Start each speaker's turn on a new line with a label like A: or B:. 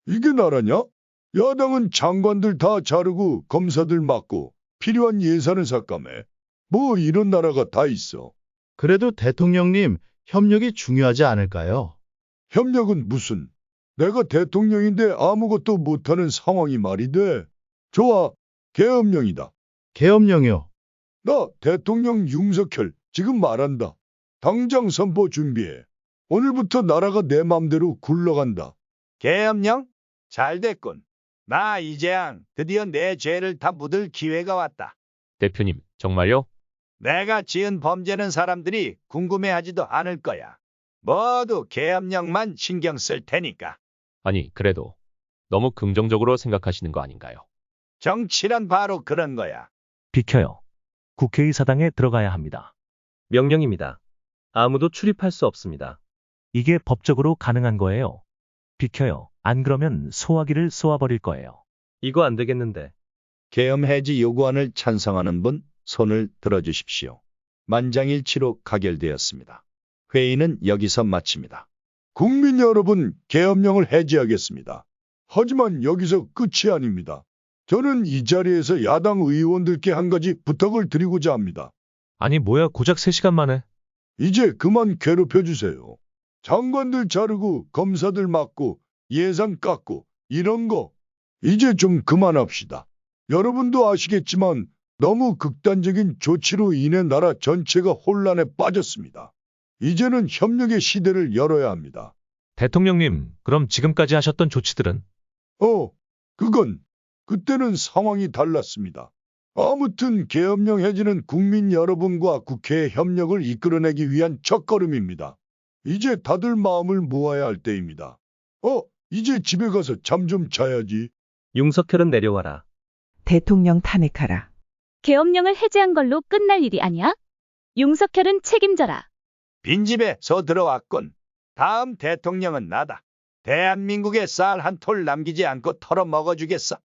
A: 이게 나라냐? 야당은 장관들 다 자르고 검사들 맡고 필요한 예산을 삭감해. 뭐 이런 나라가 다 있어.
B: 그래도 대통령님, 협력이 중요하지 않을까요?
A: 협력은 무슨? 내가 대통령인데 아무것도 못하는 상황이 말이 돼. 좋아, 계엄령이다.
B: 계엄령이요.
A: 나 대통령 윤석열 지금 말한다. 당장 선포 준비해. 오늘부터 나라가 내 맘대로 굴러간다.
C: 계엄령? 잘 됐군. 나 이재양 드디어 내 죄를 다 묻을 기회가 왔다.
D: 대표님, 정말요?
C: 내가 지은 범죄는 사람들이 궁금해하지도 않을 거야. 모두 계엄령만 신경 쓸 테니까.
D: 아니, 그래도 너무 긍정적으로 생각하시는 거 아닌가요?
C: 정치란 바로 그런 거야.
E: 비켜요. 국회의사당에 들어가야 합니다.
F: 명령입니다. 아무도 출입할 수 없습니다.
E: 이게 법적으로 가능한 거예요. 비켜요. 안 그러면 소화기를 쏘아버릴 거예요.
F: 이거 안 되겠는데.
C: 계엄 해지 요구안을 찬성하는 분 손을 들어주십시오. 만장일치로 가결되었습니다. 회의는 여기서 마칩니다.
A: 국민 여러분, 계엄령을 해제하겠습니다. 하지만 여기서 끝이 아닙니다. 저는 이 자리에서 야당 의원들께 한 가지 부탁을 드리고자 합니다.
G: 아니 뭐야 고작 3시간 만에.
A: 이제 그만 괴롭혀주세요. 장관들 자르고 검사들 맡고 예산 깎고 이런 거 이제 좀 그만합시다. 여러분도 아시겠지만 너무 극단적인 조치로 인해 나라 전체가 혼란에 빠졌습니다. 이제는 협력의 시대를 열어야 합니다.
G: 대통령님, 그럼 지금까지 하셨던 조치들은?
A: 그건 그때는 상황이 달랐습니다. 아무튼 계엄령 해지는 국민 여러분과 국회의 협력을 이끌어내기 위한 첫걸음입니다. 이제 다들 마음을 모아야 할 때입니다. 이제 집에 가서 잠 좀 자야지.
F: 윤석열은 내려와라.
H: 대통령 탄핵하라.
I: 계엄령을 해제한 걸로 끝날 일이 아니야? 윤석열은 책임져라.
C: 빈집에 서 들어왔군. 다음 대통령은 나다. 대한민국에 쌀 한 톨 남기지 않고 털어 먹어주겠어.